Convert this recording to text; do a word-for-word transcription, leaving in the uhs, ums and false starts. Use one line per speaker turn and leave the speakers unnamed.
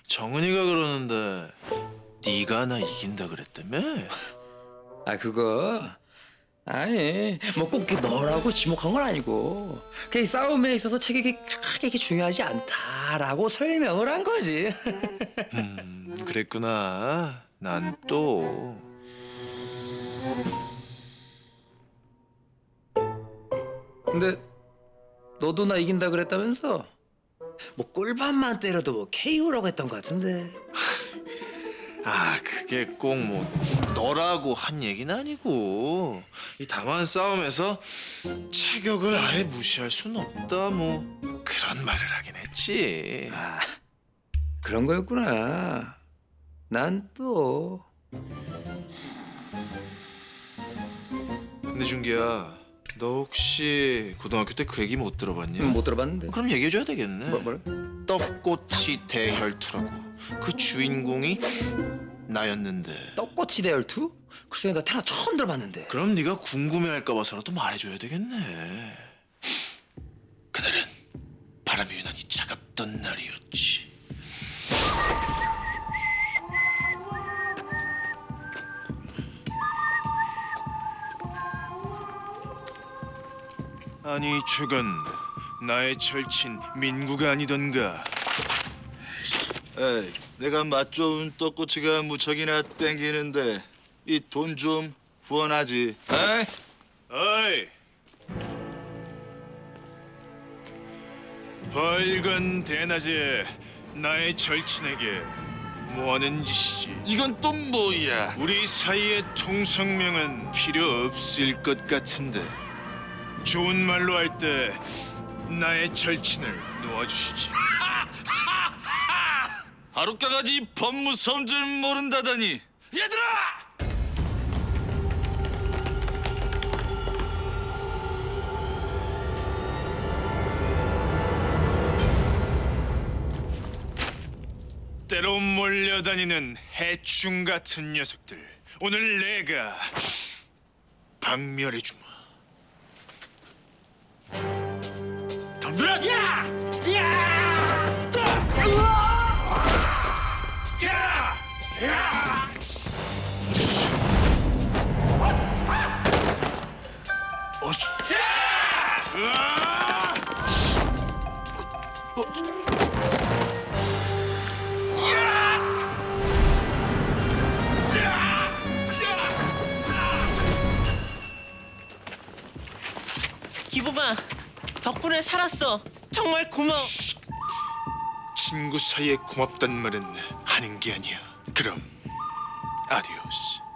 정은이가 그러는데 네가 나 이긴다 그랬다며?
아 그거 아니 뭐 꼭 너라고 지목한 건 아니고 그 싸움에 있어서 체격이 크게 이렇게 중요하지 않다라고 설명을 한 거지.
음, 그랬구나. 난 또
근데 너도 나 이긴다 그랬다면서? 뭐 꿀밤만 때려도 뭐 케이오라고 했던 것 같은데.
아, 그게 꼭 뭐 너라고 한 얘기는 아니고 이 다만 싸움에서 체격을 아예 무시할 순 없다 뭐 그런 말을 하긴 했지.
아 그런 거였구나. 난 또
근데 준기야, 너 혹시 고등학교 때 그 얘기 못 들어봤냐?
못 들어봤는데.
그럼 얘기해줘야 되겠네.
뭐 뭐래?
떡꼬치 대혈투라고. 그 주인공이 나였는데.
떡꼬치 대열투? 글쎄 나 태어나 처음 들어봤는데.
그럼 네가 궁금해할까 봐서라도 말해줘야 되겠네. 그날은 바람이 유난히 차갑던 날이었지. 아니 최근 나의 절친 민구가 아니던가.
에이, 내가 맛 좋은 떡꼬치가 무척이나 땡기는데 이 돈 좀 후원하지. 에이?
어이! 벌건 대낮에 나의 절친에게 뭐하는 짓이지?
이건 또 뭐야?
우리 사이의 통성명은 필요 없을 것 같은데 좋은 말로 할 때 나의 절친을 놓아주시지.
하룻가가지 법무사인 줄 모른다더니 얘들아!
때로 몰려다니는 해충 같은 녀석들, 오늘 내가 박멸해주마. 덤벼라! 야! 야! 야! 야!
어,
으아!
기부마, 덕분에 살았어. 정말 고마워.
친구 사이에 고맙단 말은 하는 게 아니야. 그럼 아디오스.